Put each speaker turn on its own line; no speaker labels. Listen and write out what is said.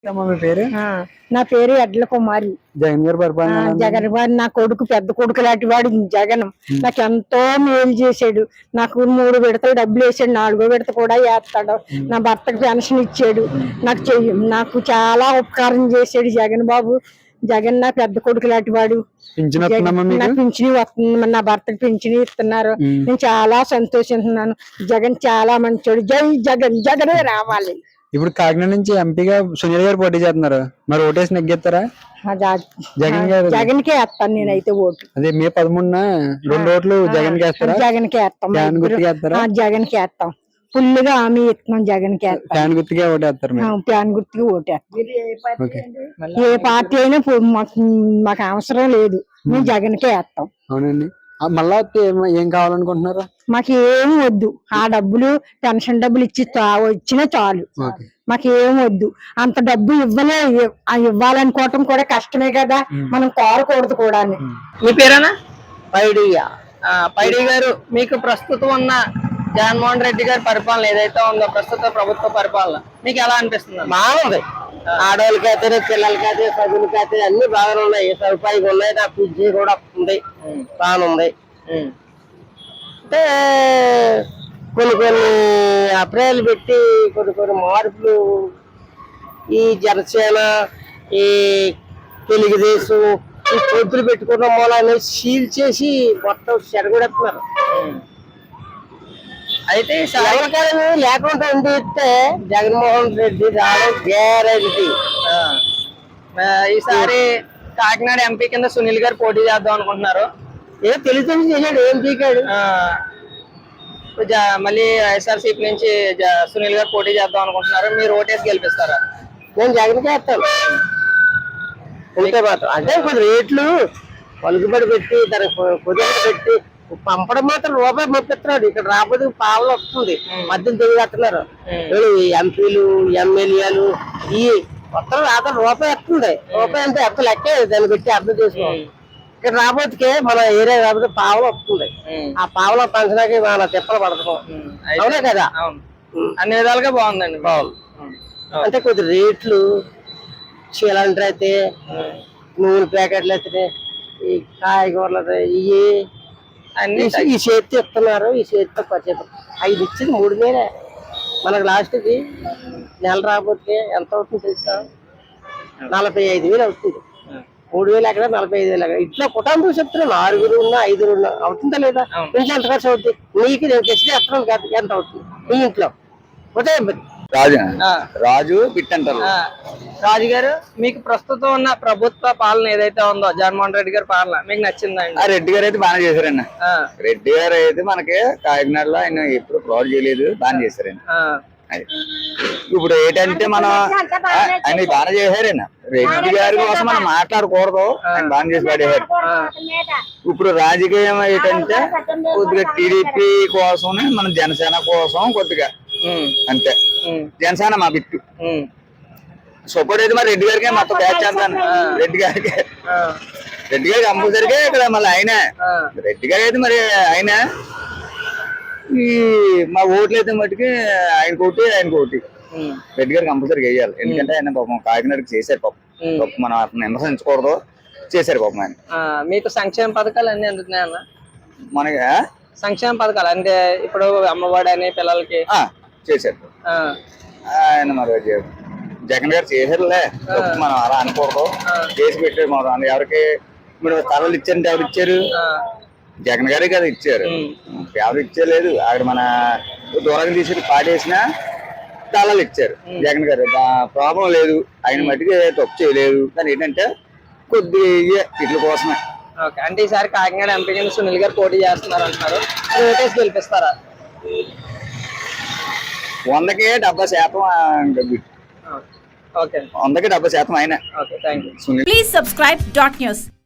మీ పేరు?
నా పేరు ఎడ్ల కుమారి.
జగన్ గారి పరిపాలన
జగన్ వాడు నా కొడుకు పెద్ద కొడుకు లాంటి వాడు జగన్. నాకు ఎంతో మేలు చేశాడు. నాకు 3 విడతలు డబ్బులు వేసాడు, 4వ విడత కూడా వేస్తాడు. నా భర్తకు పెన్షన్ ఇచ్చాడు. నాకు చాలా ఉపకారం చేశాడు జగన్ బాబు. జగన్ నా పెద్ద కొడుకు లాంటి వాడు. నాకు పింఛని వస్తుంది, నా భర్తకు పింఛని ఇస్తున్నారు. నేను చాలా సంతోషిస్తున్నాను. జగన్ చాలా మంచోడు. జై జగన్, జగనే రావాలి.
ఇప్పుడు కాకినాడ నుంచి ఎంపీగా సునీల్ గారు పోటీ చేస్తున్నారు, మరి ఓటేసి నెగ్గేస్తారా?
జగన్ కే వేస్తాను నేనైతే ఓటు.
అదే మే 13న 2 ఓట్లు జగన్ కే వేస్తారా?
జగన్ కే వేస్తాం. జగన్ కే వేస్తాం. ఫుల్గా హామీ ఇస్తున్నాం. జగన్ కే
ఫ్యాన్ గుర్తుకే ఓటేస్తారు.
ఫ్యాన్ గుర్తుకి ఓటేస్తాం. ఏ పార్టీ అయినా మాకు అవసరం లేదు, మేము జగన్ కే వేస్తాం.
అవునండి. మళ్ళా ఏం కావాలనుకుంటున్నారు?
మాకు ఏం వద్దు. ఆ డబ్బులు పెన్షన్ డబ్బులు ఇచ్చినా చాలు. మాకు ఏం వద్దు. అంత డబ్బు ఇవ్వాలనుకోవటం కూడా కష్టమే కదా, మనం కోరకూడదు కూడా.
మీ పేరేనా? పైడి గారు, మీకు ప్రస్తుతం ఉన్న జగన్మోహన్ రెడ్డి గారి పరిపాలన ఏదైతే ఉందో, ప్రస్తుత ప్రభుత్వ పరిపాలన మీకు ఎలా అనిపిస్తుంది?
బాగుంది. ఆడవాళ్ళకైతే పిల్లలకైతే చదువులకైతే అన్ని బాగానే ఉన్నాయి. సదుపాయాలు ఉన్నాయి. నా పిజ్జి కూడా ఉంది, బాగుంది. అంటే కొన్ని అభిప్రాయాలు పెట్టి కొన్ని మార్పులు ఈ జనసేన, ఈ తెలుగుదేశం ఈ పొద్దులు పెట్టుకోవడం మూలాన్ని సీల్ చేసి మొత్తం చెడగొడుతున్నారు.
అయితే
లేకుండా ఉండితే జగన్మోహన్ రెడ్డి రావడం గ్యారంటీ.
ఈసారి కాకినాడ ఎంపీ కింద సునీల్ గారు పోటీ చేద్దాం అనుకుంటున్నారు.
ఏదో తెలుసు చేశాడు, ఏం పీకాడు.
మళ్ళీ వైఎస్ఆర్సీపీ నుంచి సునీల్ గారు పోటీ చేద్దాం అనుకుంటున్నారు. మీరు ఓటేసి గెలిపిస్తారా?
నేను జగన్ చేస్తాను. ఉంటే మాత్రం అంటే కొద్ది రేట్లు పలుకుబడి పెట్టి దానికి పొదుపు పెట్టి పంపడం మాత్రం రూపాయి పంపిస్తున్నాడు. ఇక్కడ రాబోతే పావులు వస్తుంది. మధ్యలో తెలియగట్టున్నారు ఎంపీలు, ఎమ్మెల్యేలు. ఈ మొత్తం రాత్రి రూపాయి వస్తుంది. రూపాయి అంటే ఎంత లెక్కే, దాన్ని పెట్టి అర్థం చేసుకోవాలి. ఇక్కడ రాబోతుకే మన ఏరియా రాబోతే పావులు వస్తుంది. ఆ పావుల పంచడానికి మన తిప్పలు పడుతున్నాం. అవునే కదా?
అన్ని విధాలుగా బాగుందండి.
బాగుంది. అంటే కొద్ది రేట్లు చీలంటర్ అయితే, నూనె ప్యాకెట్లు అయితే, ఈ కాయగూరలు ఇవి అన్ని ఈ చేతి ఇస్తున్నారు. ఈ చేతితో పచ్చేపు 5 ఇచ్చింది 3 వేలే. మనకు లాస్ట్కి నెల రాబోతే ఎంత అవుతుంది తెలుసా? 45,000 అవుతుంది. 3,000 ఎక్కడ, 45,000 ఎక్కడ. ఇట్లా కుటుంబం చెప్తున్నా 6 ఉన్నా 5 ఉన్నా అవుతుందా లేదా? ఇంట్లో ఎంత ఖర్చు అవుతుంది? నీకు నేను తెచ్చి ఎత్తడం కాదు, ఎంత అవుతుంది మీ ఇంట్లో?
రాజు బిట్ అంటారు.
రాజు గారు, మీకు ప్రస్తుతం ఉన్న ప్రభుత్వ పాలన ఏదైతే ఉందో, జగన్మోహన్ రెడ్డి గారి పాలన మీకు నచ్చిందండి?
రెడ్డి గారు అయితే బాగా చేశారండి. రెడ్డి గారు అయితే మనకి కాకినాడలో ఆయన ఎప్పుడు ఫ్రాడ్ చేయలేదు, బాగా చేశారండి. ఇప్పుడు ఏంటంటే మనం ఆయన బాగా చేశారండి. రెడ్డి గారి కోసం మనం మాట్లాడకూడదు, ఆయన బాగా చేసి పడేవారు. ఇప్పుడు రాజకీయం ఏంటంటే కొద్దిగా టీడీపీ కోసం, మన జనసేన కోసం కొద్దిగా అంతే. జనసేన మా బిట్టు సపోర్ట్ అయితే మరి రెడ్డి గారికి మొత్తం బ్యాచ్ చేస్తాను. రెడ్డి గారికి కంపల్సరిగా ఇక్కడ మళ్ళీ ఆయన రెడ్డి గారు అయితే మరి ఆయన ఈ మా ఓట్లు అయితే మట్టుకి ఆయనకు ఒకటి రెడ్డి గారు కంపల్సరీగా వేయాలి. ఎందుకంటే ఆయన పాపం కాకినాడకి చేశారు. పాపం మనం అతను విమర్శించకూడదు, చేశారు పాపం ఆయన.
మీకు సంక్షేమ పథకాలు అన్ని అందుతున్నాయన్న?
మనకి
సంక్షేమ పథకాలు అంటే ఇప్పుడు అమ్మఒడి అని పిల్లలకి
చేశారు ఆయన. మరి జగన్ గారు చేశారులే, మనం అలా అనకూడదు. చేసి పెట్టారు. మనం ఎవరికి ఇప్పుడు స్థలాలు ఇచ్చారంటే ఎవరు ఇచ్చారు? జగన్ గారే కదా ఇచ్చారు, ఎవరు ఇచ్చేలేదు. అక్కడ మన దూరంగా తీసి పాడేసిన స్థలాలు ఇచ్చారు జగన్ గారు. ప్రాబ్లం లేదు, ఆయన మట్టికి తప్పు చేయలేదు. కానీ ఏంటంటే కొద్దిగా ఇట్ల కోసమే.
అంటే ఈసారి కాకినాడ ఎంపీ కింద సునీల్ గారు పోటీ చేస్తున్నారు అంటున్నారు, ఓటేసి గెలిపిస్తారా?
100కి 70%.
ఓకే,
100కి 70% ఆయన.
Okay, thank you.
Please subscribe .news.